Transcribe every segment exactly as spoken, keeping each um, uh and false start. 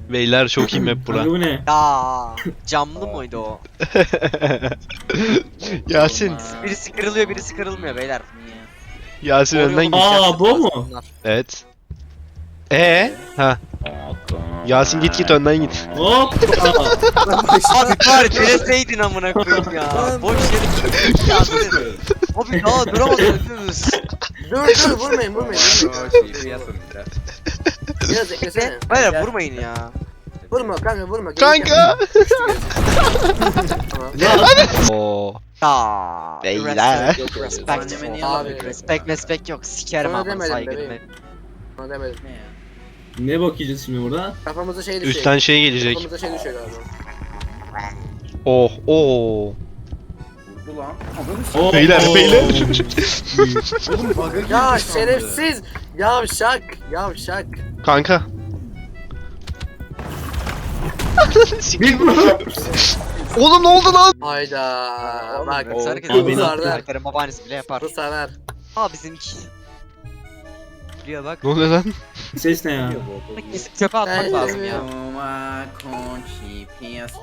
Beyler çok iyi map bura. Abi bu ne? Ya camlı mıydı o? Yasin. Birisi kırılıyor, birisi kırılmıyor beyler. Yasin Doğru önden yolu git. Aa, bulacaksınız bu mu? bunlar. Evet. Ee? Ha. Yasin git git önden git. Hop. Abi bari teleseydin amına koyayım ya. Boş yere ya dur. Abi ya duramadınız. Dur dur vurmayın vurmayın. vurmayın. Biraz eklesene. Beyler vurmayın ya. Vurma kanka vurma. Kanka. Tamam. Oo. Ya. Beyler. Respect. Abi. Respect respect yok. Sikerim Sana ama demedim saygını. bebeğim. Ona demedim. Ne bakacağız şimdi burada? Kafamıza şey düşüyor. Üstten şey gelecek. Kafamıza şey düşüyor galiba. Oh oh. Vurdu lan. Oo. Beyler, beyler. Oğlum bug'a girdi Ya sandı. şerefsiz. Yavşak. Yavşak. Kanka. Bir bu. Oğlum ne oldu lan? Hayda. Bak. Yoksa herkes Abi, bu sardı. karakterin babaannesi bile yapar. Bu sever. Aa bizimki. Buraya bak. Ne oluyor lan? Ses ne ya? Kesip çöpe atmak Ben lazım ya. Toma conchi piyasa.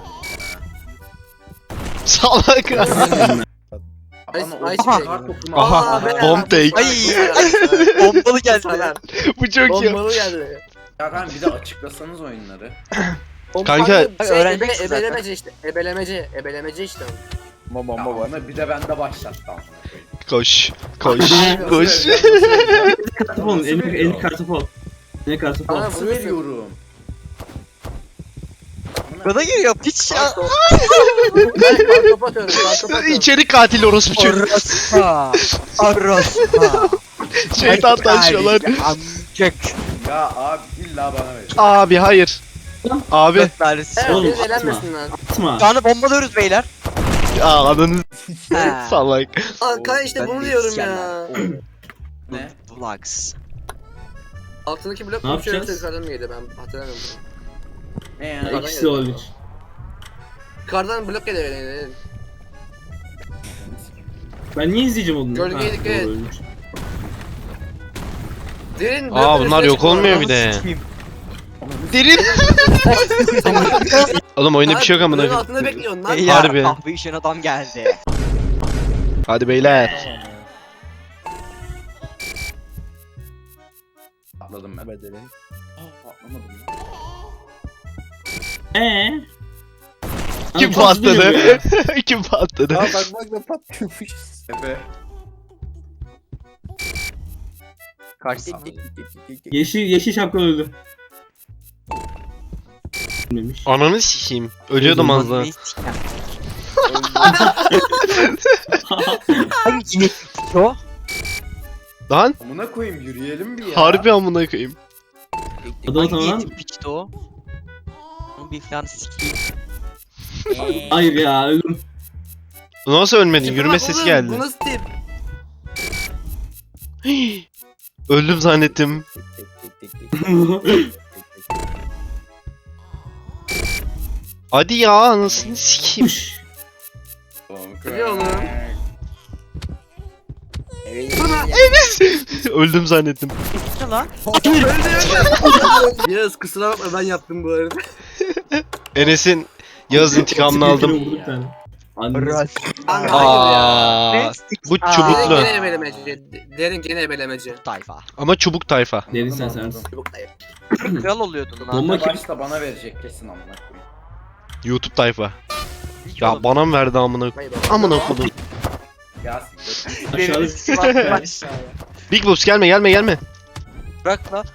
Salak. Ay, ay, Aha. şey. Aha, Aa, be- bomb take. Ay. Bombalı geldi. Sever. Bu çok iyi. Bombalı geldi. Ya kanka bir de açıklasanız oyunları. Bomba- Kanka- Şey, ebe, Öğreneceksin zaten. ebelemeci işte. Ebelemeci. Ebelemeci işte. Ya onu bir de bende başlattı amına koyayım. Koş. Koş. Koş. Kartopol. Elini, elini kartopol. Ne kartopol? Aa, Nasıl vuruyorsun. veriyorum? Bana geliyor piç ya. Kartop. Ben kartop atıyorum. Kartop atıyorum. İçeri katil orospu çocuğu. Orospa. Orospa. Şeytan taşıyorlar. Amcık. Ya abi illa bana ver. Abi hayır. Abi. Dört tanesi. Evet, Oğlum, biz atma. elenmesin lan. Atma. Şu anda bombalıyoruz beyler. Aa ananı Ha. salak. Aa, kan işte Ben bunu de diyorum isyanlar. ya. Ne? Vlogs. Altındaki blok Ne mu şöyle yapacağız? yukarıdan mı geliyor ben hatırlamıyorum. Ne Ya, ya? İkisi de olabilir. Yukarıdan blok geliyor yani. Ben niye izleyeceğim onu? Gölgeye Ha, dikkat doğru, et. ölmüş. Derin Aa blokların bunlar üstüne yok çıkma. olmuyor bir de. Sikeyim. Derin. Oğlum oyunda bir şey yok Abi, blokun amına. altında bekliyorsun lan. Beyler Harbi. kahve içen adam geldi. Hadi beyler. Atladım ben. Aa, atlamadım ya. Eee? Kim Abi, çok üzülüyorum patladı? ya. Kim patladı? bak bak da patlıyormuş. Efe. Karşı. Yeşil, yeşil şapka öldü. Ölmemiş. Ananı sikeyim. Ölüyordum az daha. Ne sikeyim? Hangi ne o? Lan Amına koyayım yürüyelim bir ya. harbi amına koyayım. Adı o Hangi tamam. yetim piçti o? Onu bir falan sikeyim. Hayır ya öldüm. Nasıl ölmedin? Tipe Yürüme bak sesi oğlum, geldi. Bu nasıl tip? Öldüm zannettim. Hadi ya anasını sikeyim. Biliyor oğlum. Öldüm zannettim. Ne lan? Yağız kusura bakma ben yaptım bu arada. Enes'in Yağız intikamını aldım. Vurdu bir tane. Anne. Kanka hayır ya. Aa, bu Aa. Derin çubuklu. gene ebelemeci. Derin gene ebelemeci. Tayfa. Ama çubuk tayfa. Derin sen sen. Çubuk dayı. Kral oluyordun lan. Bomba kim? Başta bana verecek kesin amına koyayım. YouTube tayfa. Hiç Ya oğlum. bana mı verdi amına? Vay be. Amına kodum. Ya siktir. Benim Aşağıda. sıfatım aşağıya. Big Boss gelme gelme gelme. Bırak lan.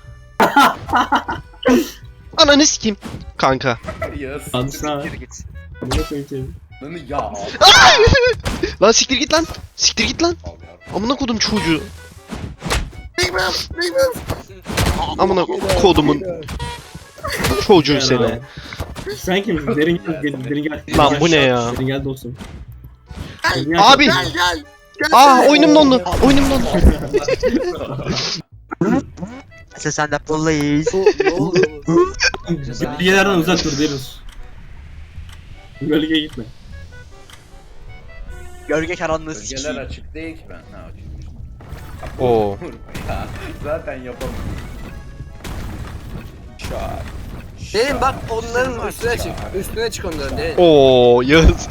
Ananı sikeyim. Kanka. Yağız. Hadi sağ. Geri git. Buna koyayım seni. Lan ya. Lan siktir git lan. Siktir git lan. Al ya. Amına kodum çocuğu. Big Mouth, Big Mouth. Amına kodumun çocuğu seni. Sen kimsin? Derin gel, derin, derin gel. Lan bu ne ya? Derin gel dostum. Gel, Derin gel. Abi. Gel gel. Gel Aa sen. oyunum dondu. Oyunum dondu. Sen sen de police. Ne oldu? Bilgilerden uzak dur derin. Gölgeye gitme. Gölge karanlığı Bölgeler sikeyim. açık değil ki ben. Ha açıkmış. Oo. Ya zaten yapamıyorum. Şak. Derin bak onların üstüne çık. Üstüne çık onların derin. Oo Yağız.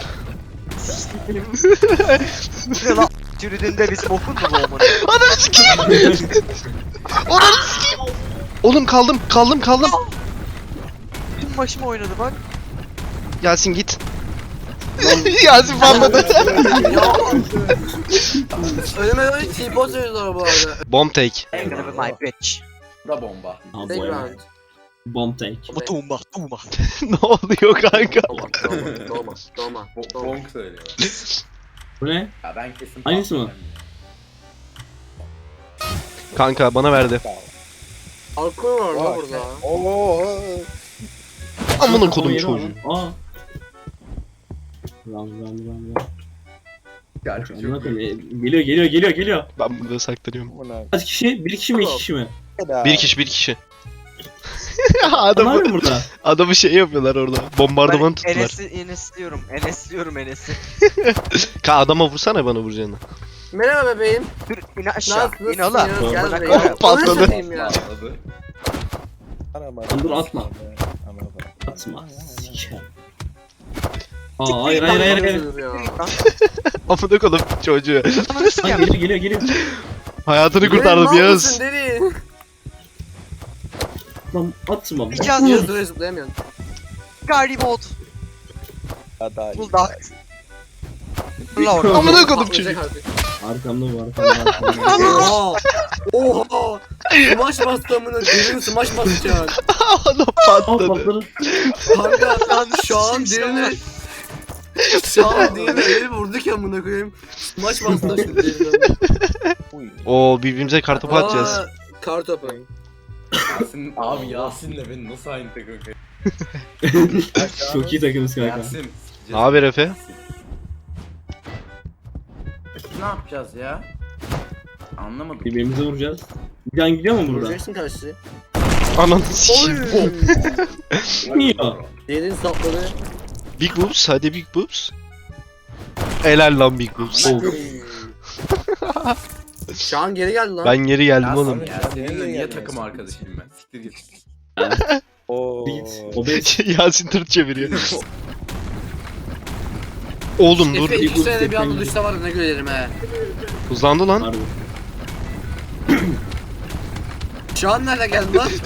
Bu ne lan? Çürüdüğünde bizim okul mu bu amına? Ananı sikeyim. Ananı sikeyim. Oğlum kaldım kaldım kaldım. Tüm başıma oynadı bak. Yasin git. Yasin patladı. Ya. Önüme öyle T-pose söylüyorlar bu arada. Bomb take. I'm gonna be my bitch. Da bomba. Take round. Bomb take. Ama tuğma tuğma. Ne oluyor kanka? Dolma, dolma, dolma, dolma, Bo- dolma. Bonk söylüyor. Bu ne? Ya ben kesin Aynısı mı? Kanka bana verdi. Alkol var la burada. Amına kodum Yeri çocuğu. var lan. Aa. Ram ram ram ram. Gerçi çok Amına iyi. koyayım, e, Geliyor geliyor geliyor geliyor. Ben burada saklanıyorum. Kaç kişi? Bir kişi mi iki kişi mi? Bir kişi bir kişi. Onlar adamı, mı burada? adamı şey yapıyorlar orada. Bombardıman Ben tuttular. Enes'i Enes'liyorum. Enes'liyorum Enes'i. Ka adama vursana bana vuracağını. Merhaba bebeğim. Dur in aşağı. Nasılsın? İn ola. Gel Amına buraya. koyayım. Patladı. Onu satayım ya. Patladı. Lan dur atma. Atma. Siker. Aa hayır hayır hayır hayır. Amına kodum çocuğu. Ananı Lan sikeyim. geliyor geliyor geliyor. Hayatını kurtardım Yağız. Derin. Lan atma. İki Yaz yazıyor. duraya zıplayamıyorsun. Garibot. Bulldog. Fırla oradan. Amına kodum Patlayacak çocuğu. artık. Arkamda bu arkamda arkamda. Oha! Oha! Smash bastı amına derin smash basacak. Adam Aa patladı. patladı. Kanka şu an derini şu an derini eli vurduk ya amına koyayım. Smash bastı şimdi derini. Oo birbirimize kartopu atacağız. Aa, Kartopu. Yasin, abi Yasin'le beni nasıl aynı takım koyuyor? Çok iyi takımız kanka. Yasin. Ne haber Efe? Ne yapacağız ya? Anlamadım. Birbirimize vuracağız. Bir tane gidiyor mu burada? Vuracaksın karşıya. Ananı sikeyim. Niye? Derin sapladı. Big boobs hadi big boobs. Helal lan big boobs. Oh. Şu an geri geldi lan. Ben geri geldim Yasin oğlum. ya seninle niye takım arkadaşıyım ben? Siktir git. O beş. Yasin tırt çeviriyor. Oğlum dur. Efe bir iki bu sene bir anda tepkini- düşse var ya ne gülerim he. Hızlandı lan. Harbi. Şu an nerede geldi lan?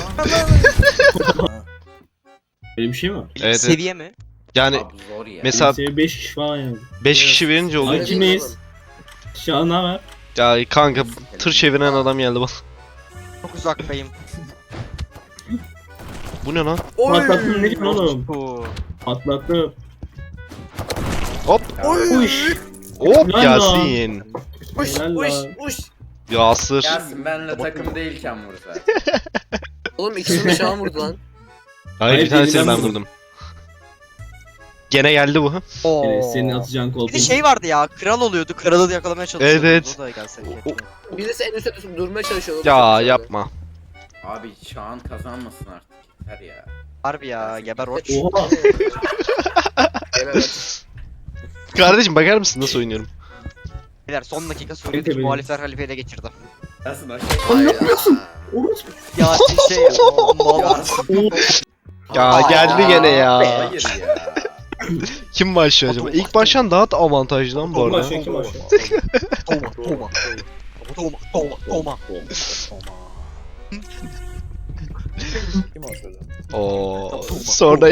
Böyle bir şey mi var? Evet, evet. Seviye mi? Yani Abi zor ya. mesela Seviye beş kişi falan yani. beş kişi verince Ay oluyor. kimdeyiz? Şu an ne haber? Ya kanka tır çeviren adam geldi bana. Çok uzaktayım. Bu ne lan? Patlattım ne diyorsun oğlum? Oo. Patlattım. Hop. Uş. Hop Lan Yasin. Uş Helal uş lan. uş. Yasır. Yasin benle takım değilken vursa. Oğlum ikisini şu an vurdu lan. Hayır bir Hayır, tanesini birinden ben vurdum. vurdum. Gene geldi bu. Oo. Evet, senin atacağın kol. Bir de şey vardı ya, kral oluyordu, kralı da yakalamaya çalışıyordu. Evet. O da gelse O- keşke. Birisi en üstte tutup durmaya çalışıyor. oğlum. Ya yapma. Abi Şahan kazanmasın artık. Yeter ya. Harbi ya, geber oç. Oha. Evet. Kardeşim bakar mısın nasıl oynuyorum? Beyler son dakika Ente Suriye'deki benim. muhalifler halifeyi ele geçirdi. Yasin aşağı. Lan ne yapıyorsun? Orospu. Ya şey, o mal. Yasin. Ya Aa, geldi gene ya. Hayır ya. Kim başlıyor acaba? İlk baştan daha da avantajlı lan bu Kim arada. başlıyor kim başlıyor? Toma, toma. Toma, toma, toma. Oo. Sonra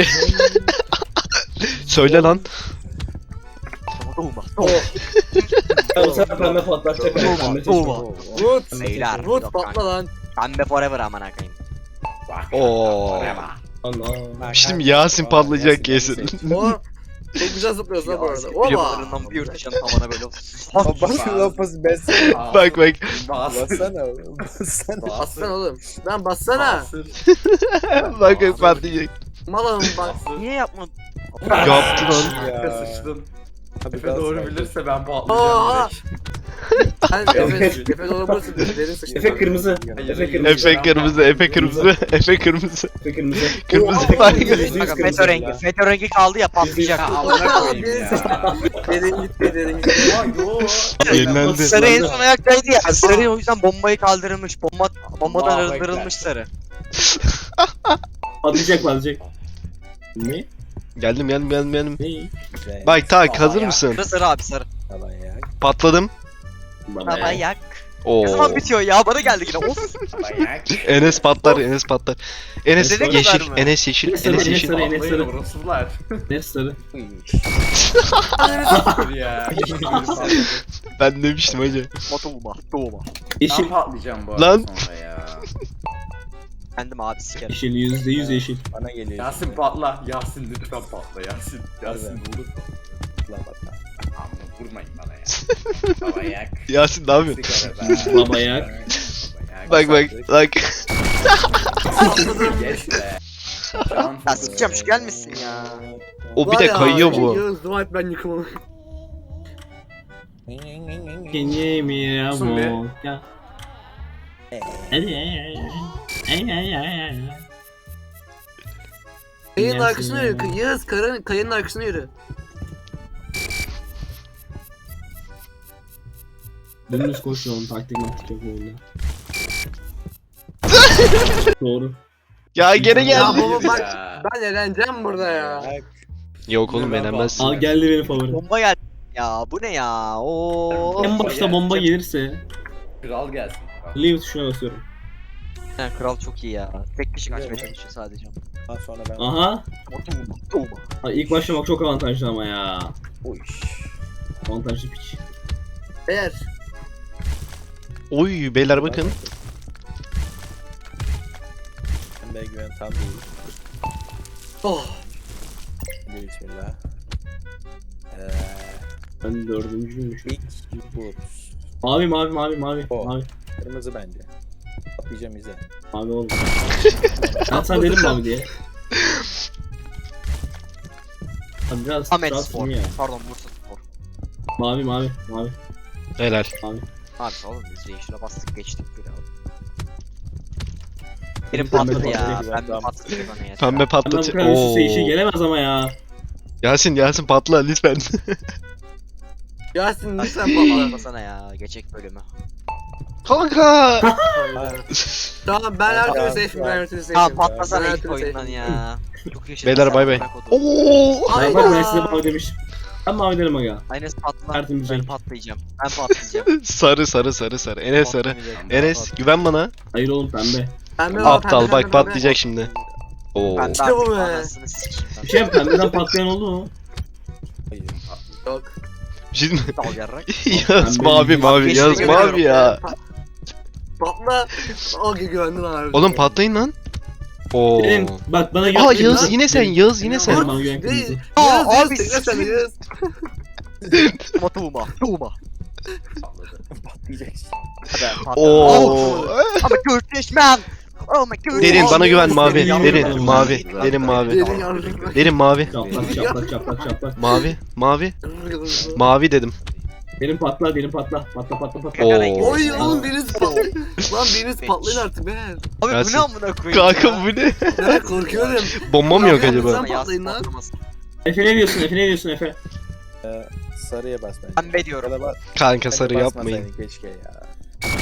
söyle lan. Toma, Ya bu sefer pembe patlatacak. Toma, Pembe toma. Vut. Beyler. Vut patla lan. Pembe forever amına koyayım. Oo. Allah. Şimdi Yasin patlayacak kesin. O çok güzel zıplıyorsun lan bu arada. Oba. Videolarından bir yırtışan tavana böyle. Bak lafız besene. Bak bak. Bassana oğlum. Bassana. Bassana oğlum. Lan bassana. Bak bak patlayacak. Malım bak. Niye yapmadın? Yaptı lan. Ya. Sıçtım. Hadi Efe daha doğru sakin. bilirse ben Aa! patlayacağım direkt. Sen Efe, Efe doğru burası derin sıçtı. Efe kırmızı. Efe kırmızı. Efe kırmızı, Efe kırmızı, Efe kırmızı. Efe kırmızı. Kırmızı Oo, var. yüzde yüz Kanka kırmızı FETÖ rengi. ya. FETÖ rengi kaldı ya patlayacak. Amına koyayım ya. Derin gitti derin gitti. Ya yo. Yenilendi. Sarı en son ayaktaydı ya. Sarı o yüzden bombayı kaldırılmış. Bomba bombadan Allahu arındırılmış sarı. Patlayacak patlayacak. Ne? Geldim geldim geldim geldim. Ne? Güzel. Bak tak Baba hazır ya. mısın? Sarı sarı abi sarı. Falan ya. Patladım. Baba Baba ya. yak. Oo. Ne zaman bitiyor ya? Bana geldi yine. Of. Bayak. Enes patlar, Enes patlar. Enes Nereye yeşil, kadar mı? Enes yeşil, Enes Enes sarı, yeşil. Enes sarı. Patlayın orospular. Ne sarı? Uy. Dur ya. Ben demiştim hacı. Motoğuma. Doğuma. Yeşil. Ben patlayacağım bu arada Lan. sonra ya. Kendim abi sikerim. Yeşil yüzde yüz yeşil. Bana geliyor. Yasin patla. Yasin lütfen patla Yasin. Yasin Evet. olur patla. Lan bak lan. Amma vurmayın bana ya. Bayak. Yasin ne yapıyorsun? Sigara be. Baba yak. Bayak. Bak bak bak. Geç be. Can Ya sikeceğim şu gelmesin ya. O bir de kayıyor bu. Yağız dua et ben yıkılmam. Kenye mi ya Olsun be. bu? Ya. Kayanın arkasına yürü. Yağız kayanın, kayanın arkasına yürü. Dümdüz koşuyor onun taktik maktik yok oyunda. Doğru. Ya gene Ya geldi. baba bak Ya. ben eğleneceğim burada ya. Bak. Yok oğlum eğlenmezsin. Al geldi benim favorim. Bomba geldi. Ya bu ne ya? Oo. En başta bomba gelirse Kral gelsin. Kral. leave tuşuna basıyorum. Ha, kral çok iyi ya. Tek kişi kaçmaya çalışıyor sadece. Daha sonra ben. Aha. Motoğuma. Doğuma. Ay, ilk başlamak çok avantajlı ama ya. Uy. Avantajlı piç. Eğer. Oy beyler bakın. Ben de güven tam değil. Oh. Hadi bismillah. Eee. Ben dördüncüymüşüm. Big Boot. Mavi mavi mavi mavi O. mavi. Kırmızı bence. Atlayacağım izle. Mavi oğlum. Ben sana dedim mavi diye. Abi biraz Ahmet biraz Spor. ya. Pardon Bursa Spor. Mavi mavi mavi. Helal. Abi oğlum biz Reis'ine bastık geçtik bile abi. Benim Pembe patladı ya. patladı. Ben patladı bana ya. Pembe Hemen bu patlatı. kadar üst üste işe Oo. gelemez ama ya. Yasin Yasin patla lütfen. Yasin lütfen patla. Patlasana ya. Geçecek bölümü. Kanka. Tamam ben her türlü Tamam, safe'im ben her türlü Ha safe'im. patlasana Ben her ilk türlü oyundan safe'im. ya. Çok yaşadım. Beyler bay bay. Oo. Ben bak ben size mavi demiştim. Ben mavi derim aga. Aynes patla. Tertemiz Ben renk. patlayacağım. Ben patlayacağım. Sarı sarı sarı sarı. Enes sarı. Patlamayacak. Enes güven bana. Hayır oğlum pembe. Pembe var, Aptal pembe, bak pembe, patlayacak şimdi. Oo. Ben de İşte bu artık be. anasını sikeyim ben. Bir şey pembeden patlayan oldu mu? Hayır. pembe. Yok. Bir şey mi? Dal yarrak. Yaz mavi mavi Geçti, yaz görüyorum. mavi ya. Patla. O güvendin abi. Oğlum patlayın lan. Oo. Benim bak bana Aa güven. Yağız yine sen Yağız yine sen. Bana güven kırmızı. Değil. Aa, Yağız, Yağız, abi, tekrar sen sikeyim. Yağız. Motoğuma. Doğuma. Patladı. Patlayacaksın. Hadi patla. Oo. Ama Turkish man. Oh my god. Derin bana Abi, güven mavi. derin Derin yavrum. mavi. Derin mavi. Derin yavrum. Derin mavi. Çaplak çaplak çaplak çaplak. Mavi. Mavi. Mavi dedim. Benim patla benim patla. Patla patla patla. Oo. Oy oğlum biriniz patlayın. Lan biriniz patlayın artık be. Abi bu Gelsin. ne amına koyayım Kanka ya? bu ne? Ben korkuyorum. Bomba mı yok Lan acaba? Sen Yasin patlayın lan. patlamasın. Efe ne diyorsun Efe ne diyorsun Efe? Ee, sarıya bas bence. Pembe diyorum. Ya da bas- Kanka sarı bence yapmayın. basmasaydın keşke ya.